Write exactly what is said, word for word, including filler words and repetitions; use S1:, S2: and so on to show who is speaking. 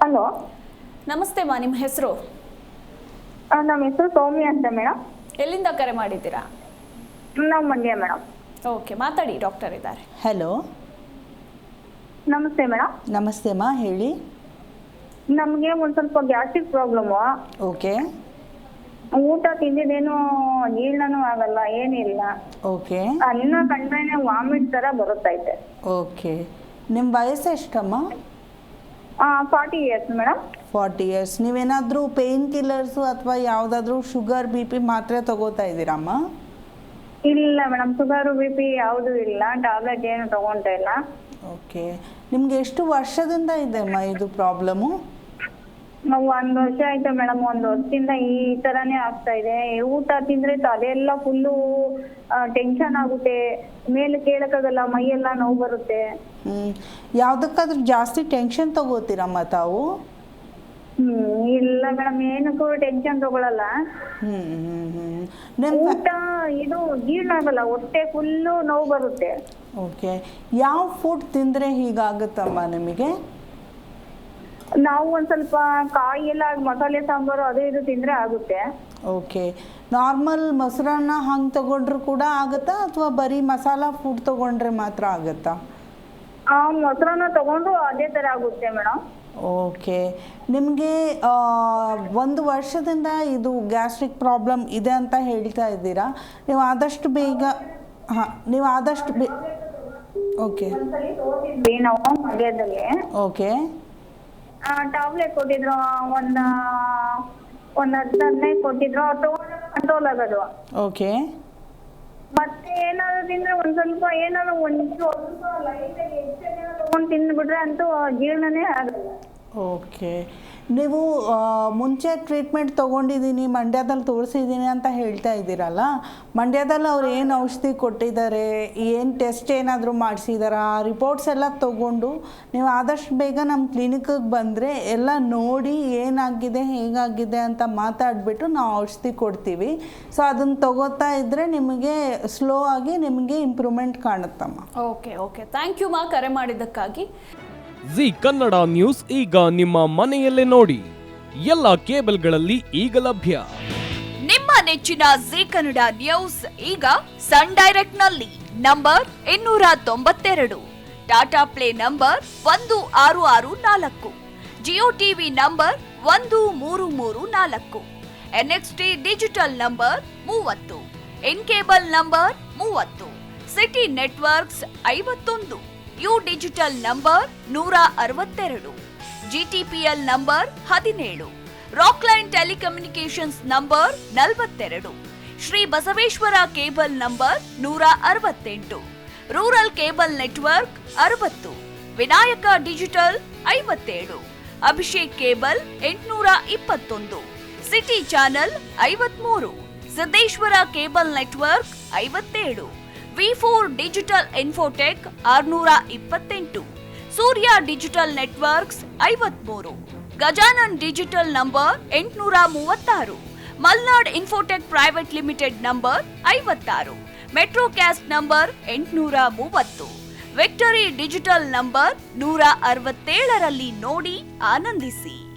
S1: Hello,
S2: ನಮಸ್ತೆ ಮಾ, ನಿಮ್ಮ ಹೆಸರು?
S1: ನಮ್ಮ ಹೆಸರು ಸೌಮ್ಯ ಅಂತ ಮೇಡಮ್.
S2: ಎಲ್ಲಿಂದ ಕರೆ ಮಾಡಿದ್ದೀರಾ?
S1: ನಾವು ಮಂಡ್ಯ ಮೇಡಮ್.
S2: ಓಕೆ, ಮಾತಾಡಿ, ಡಾಕ್ಟರ್ ಇದ್ದಾರೆ.
S3: ಹಲೋ,
S1: ನಮಸ್ತೆ ಮೇಡಮ್.
S3: ನಮಸ್ತೆ ಮಾ, ಹೇಳಿ.
S1: ನಮಗೆ ಒಂದು ಸ್ವಲ್ಪ ಗ್ಯಾಸ್ಟ್ರಿಕ್ ಪ್ರಾಬ್ಲಮ್ಮು.
S3: ಓಕೆ
S1: ಊಟ ತಿಂದಿದ್ದೇನು ಜೀರ್ಣನೂ ಆಗಲ್ಲ, ಏನಿಲ್ಲ.
S3: ಓಕೆ
S1: ಅನ್ನ ಕಂಡ್ರೇನೆ ವಾಮಿಟ್ ಥರ ಬರುತ್ತೈತೆ.
S3: ಓಕೆ ನಿಮ್ಮ ವಯಸ್ಸು ಎಷ್ಟಮ್ಮ?
S1: Forty years madam.
S3: Forty years. ನೀವೇನಾದರೂ ಪೇಯ್ನ್ ಕಿಲ್ಲರ್ಸು ಅಥವಾ ಯಾವುದಾದ್ರೂ ಶುಗರ್ ಬಿ ಪಿ ಮಾತ್ರೆ ತಗೋತಾ ಇದ್ದೀರಮ್ಮ?
S1: ಇಲ್ಲ ಮೇಡಮ್, ಶುಗರು ಬಿ ಪಿ ಯಾವುದೂ ಇಲ್ಲ, ಟ್ಯಾಬ್ಲೆಟ್ ಏನು ತಗೊಳ್ತಾ ಇಲ್ಲ.
S3: ಓಕೆ, ನಿಮಗೆ ಎಷ್ಟು ವರ್ಷದಿಂದ ಇದೆ ಅಮ್ಮ ಇದು ಪ್ರಾಬ್ಲಮ್ಮು?
S1: ನಾವು ಒಂದು ವರ್ಷ ಆಯ್ತು ಮೇಡಮ್. ಒಂದು ವರ್ಷದಿಂದ ಈ ಥರನೇ ಆಗ್ತಾ ಇದೆ. ಊಟ ತಿಂದರೆ ಅದೆಲ್ಲ ಫುಲ್ಲು ಟೆನ್ಷನ್ ಆಗುತ್ತೆ, ಮೇಲೆ ಕೇಳಕ್ಕಾಗಲ್ಲ, ಮೈಯೆಲ್ಲ ನೋವು ಬರುತ್ತೆ.
S3: ಹ್ಞೂ ಯಾವುದಕ್ಕಾದ್ರೂ ಜಾಸ್ತಿ ಟೆನ್ಷನ್ ತಗೋತೀರಮ್ಮ ತಾವು?
S1: ಹ್ಮ್ ಇಲ್ಲ ಮೇಡಮ್, ಏನಕ್ಕೂ ಟೆನ್ಷನ್ ತಗೊಳಲ್ಲ.
S3: ಹ್ಞೂ ಹ್ಞೂ ಹ್ಞೂ ನಿಮ್ಮ
S1: ಊಟ ಇದು ಜೀರ್ಣ ಆಗಲ್ಲ, ಹೊಟ್ಟೆ ಫುಲ್ಲು ನೋವು ಬರುತ್ತೆ.
S3: ಓಕೆ, ಯಾವ ಫುಡ್ ತಿಂದರೆ ಹೀಗಾಗುತ್ತಮ್ಮ ನಿಮಗೆ?
S1: ನಾವು ಒಂದು ಸ್ವಲ್ಪ ಕಾಯಿ ಎಲ್ಲ ಮಸಾಲೆ ಸಾಂಬಾರು ಅದು ಇದು ತಿಂದರೆ ಆಗುತ್ತೆ.
S3: ಓಕೆ, ನಾರ್ಮಲ್ ಮೊಸರನ್ನ ಹಂಗೆ ತಗೊಂಡ್ರು ಕೂಡ ಆಗುತ್ತಾ ಅಥವಾ ಬರೀ ಮಸಾಲ ಫುಡ್ ತಗೊಂಡ್ರೆ ಮಾತ್ರ ಆಗುತ್ತಾ?
S1: ಆ ಮೊಸರನ್ನ ತಗೊಂಡು ಅದೇ ಥರ ಆಗುತ್ತೆ ಮೇಡಮ್.
S3: ಓಕೆ, ನಿಮಗೆ ಒಂದು ವರ್ಷದಿಂದ ಇದು ಗ್ಯಾಸ್ಟ್ರಿಕ್ ಪ್ರಾಬ್ಲಮ್ ಇದೆ ಅಂತ ಹೇಳ್ತಾ ಇದ್ದೀರಾ. ನೀವು ಆದಷ್ಟು ಬೇಗ ಹಾಂ ನೀವು ಆದಷ್ಟು ಬೇ ಓಕೆ
S1: ನಾವು ಮಂಡ್ಯದಲ್ಲಿ
S3: ಓಕೆ
S1: ಟ್ಯಾಬ್ಲೆಟ್ ಕೊಟ್ಟಿದ್ರು, ಒಂದು ಒಂದು ಹತ್ತು ಹದಿನೈದು ಕೊಟ್ಟಿದ್ರು, ತಗೊಂಡು ಕಂಟ್ರೋಲ್ ಆಗೋದು.
S3: ಓಕೆ,
S1: ಮತ್ತೆ ಏನಾದ್ರು ತಿಂದ್ರೆ ಒಂದ್ ಸ್ವಲ್ಪ ಏನಾದ್ರು ಒಂದು ಸ್ವಲ್ಪ ಲೈಟಾಗಿ ಹೆಚ್ಚಾಗಿ ತಗೊಂಡು ತಿಂದ್ಬಿಟ್ರೆ ಅಂತೂ ಜೀರ್ಣನೇ ಆಗಲ್ಲ.
S3: ಓಕೆ, ನೀವು ಮುಂಚೆ ಟ್ರೀಟ್ಮೆಂಟ್ ತೊಗೊಂಡಿದ್ದೀನಿ, ಮಂಡ್ಯದಲ್ಲಿ ತೋರಿಸಿದ್ದೀನಿ ಅಂತ ಹೇಳ್ತಾ ಇದ್ದೀರಲ್ಲ. ಮಂಡ್ಯದಲ್ಲಿ ಅವ್ರು ಏನು ಔಷಧಿ ಕೊಟ್ಟಿದ್ದಾರೆ, ಏನು ಟೆಸ್ಟ್ ಏನಾದರೂ ಮಾಡಿಸಿದಾರಾ, ಆ ರಿಪೋರ್ಟ್ಸ್ ಎಲ್ಲ ತೊಗೊಂಡು ನೀವು ಆದಷ್ಟು ಬೇಗ ನಮ್ಮ ಕ್ಲಿನಿಕ್ಕಿಗೆ ಬಂದರೆ ಎಲ್ಲ ನೋಡಿ ಏನಾಗಿದೆ ಹೇಗಾಗಿದೆ ಅಂತ ಮಾತಾಡಿಬಿಟ್ಟು ನಾವು ಔಷಧಿ ಕೊಡ್ತೀವಿ. ಸೊ ಅದನ್ನು ತಗೋತಾ ಇದ್ದರೆ ನಿಮಗೆ ಸ್ಲೋ ಆಗಿ ನಿಮಗೆ ಇಂಪ್ರೂವ್ಮೆಂಟ್ ಕಾಣುತ್ತಮ್ಮ.
S2: ಓಕೆ ಓಕೆ ಥ್ಯಾಂಕ್ ಯು ಮಾ, ಕರೆ ಮಾಡಿದ್ದಕ್ಕಾಗಿ.
S4: ಜಿ ಕನ್ನಡ ನ್ಯೂಸ್ ಈಗ ನಿಮ್ಮ ಮನೆಯಲ್ಲೇ ನೋಡಿ. ಎಲ್ಲ ಕೇಬಲ್ಗಳಲ್ಲಿ ಈಗ ಲಭ್ಯ.
S5: ನಿಮ್ಮ ನೆಚ್ಚಿನ ಜಿ ಕನ್ನಡ ನ್ಯೂಸ್ ಈಗ ಸನ್ ಡೈರೆಕ್ಟ್ ನಲ್ಲಿ ನಂಬರ್ ಇನ್ನೂರ ತೊಂಬತ್ತೆರಡು, ಟಾಟಾ ಪ್ಲೇ ನಂಬರ್ ಒಂದು ಆರು ಆರು ನಾಲ್ಕು, ಜಿಯೋ ಟಿವಿ ನಂಬರ್ ಒಂದು ಮೂರು ಮೂರು ನಾಲ್ಕು, ಎನ್ಎಕ್ಸ್ಟಿ ಡಿಜಿಟಲ್ ನಂಬರ್ ಮೂವತ್ತು, ಇನ್ ಕೇಬಲ್ ನಂಬರ್ ಮೂವತ್ತು, ಸಿಟಿ ನೆಟ್ವರ್ಕ್ಸ್ ಐವತ್ತೊಂದು, ಯು ಡಿಜಿಟಲ್ ನಂಬರ್ ನೂರ ಅರವತ್ತೆರಡು, ಜಿಟಿಪಿಎಲ್ ನಂಬರ್ ಹದಿನೇಳು, ರಾಕ್ಲೈನ್ ಟೆಲಿಕಮ್ಯುನಿಕೇಶನ್ಸ್ ನಂಬರ್ ನಲವತ್ತೆರಡು, ಶ್ರೀ ಬಸವೇಶ್ವರ ಕೇಬಲ್ ನಂಬರ್ ನೂರ ಅರವತ್ತೆಂಟು, ರೂರಲ್ ಕೇಬಲ್ ನೆಟ್ವರ್ಕ್ ಅರವತ್ತು, ವಿನಾಯಕ ಡಿಜಿಟಲ್ ಐವತ್ತೇಳು, ಅಭಿಷೇಕ್ ಕೇಬಲ್ ಎಂಟುನೂರ ಇಪ್ಪತ್ತೊಂದು, ಸಿಟಿ ಚಾನೆಲ್ ಐವತ್ಮೂರು, ಸಿದ್ದೇಶ್ವರ ಕೇಬಲ್ ನೆಟ್ವರ್ಕ್ ಐವತ್ತೇಳು, ವಿ ಫೋರ್ ಡಿಜಿಟಲ್ ಇನ್ಫೋಟೆಕ್ ಆರ್ನೂರ ಇಪ್ಪತ್ತೆಂಟು, ಸೂರ್ಯ ಡಿಜಿಟಲ್ ನೆಟ್ವರ್ಕ್ಸ್ ಐವತ್ಮೂರು, ಗಜಾನನ್ ಡಿಜಿಟಲ್ ನಂಬರ್ ಎಂಟುನೂರ ಮೂವತ್ತಾರು, Malnad infotech private limited number ಐವತ್ತಾರು, ಮೆಟ್ರೋಕ್ಯಾಸ್ಟ್ ನಂಬರ್ ಎಂಟುನೂರ ಮೂವತ್ತು, ವಿಕ್ಟರಿ ಡಿಜಿಟಲ್ ನಂಬರ್ ನೂರ ಅರವತ್ತೇಳರಲ್ಲಿ ನೋಡಿ ಆನಂದಿಸಿ.